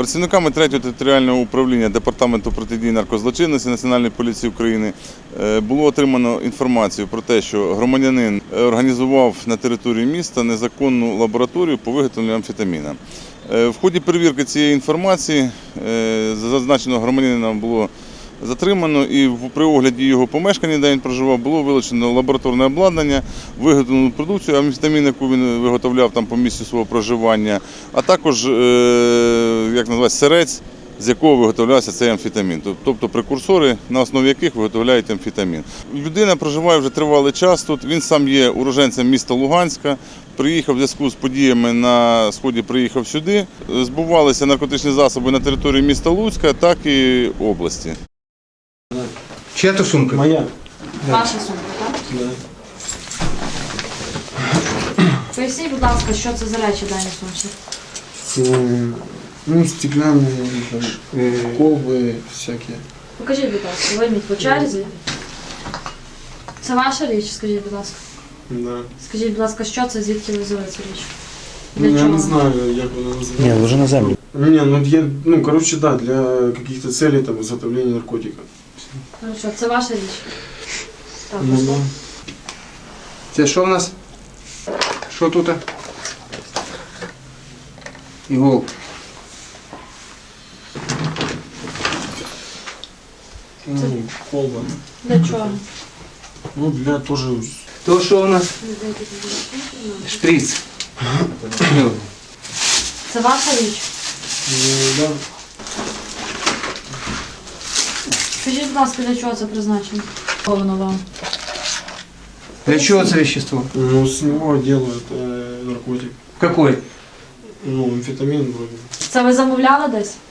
Працівниками 3-го територіального управління Департаменту протидії наркозлочинності Національної поліції України було отримано інформацію про те, що громадянин організував на території міста незаконну лабораторію по виготовленню амфетаміна. В ході перевірки цієї інформації зазначеного громадянина було затримано і при огляді його помешкання, де він проживав, було вилучено лабораторне обладнання, виготовлену продукцію, амфетамін, яку він виготовляв там по місцю свого проживання, а також сирець, з якого виготовлявся цей амфетамін, тобто прекурсори, на основі яких виготовляють амфетамін. Людина проживає вже тривалий час тут, він сам є уродженцем міста Луганська, приїхав в зв'язку з подіями на Сході, приїхав сюди, збувалися наркотичні засоби на території міста Луцька, так і області. Чия то сумка? Моя. Ваша сумка, так? Да. Поясніть, будь ласка, що це за речі в даній сумці? Ну, стеклянные, колбы всякие. Покажіть, будь ласка, вийміть по черзі. Це ваша річ, скажіть, будь ласка. Да. Скажіть, будь ласка, що це, звідки ви взяли цю річ? Ну, я не знаю, як вона називається. Ні, вже на землю. Да, для каких-то целей, там, изготовления наркотиков. Хорошо, це ваша річ. Так, Ну, да. Це що в нас? Що тут? Іголка. Ну, колба. Для чого? Ну, для тоже... То що у нас? Шприц. Це ваша річ? Да. Скажіть, будь ласка, для чого це призначено? Що воно вам? Для чого це вещество? Ну, с него делают наркотик. Какой? Ну, амфетамин вроде. Це ви замовляли десь?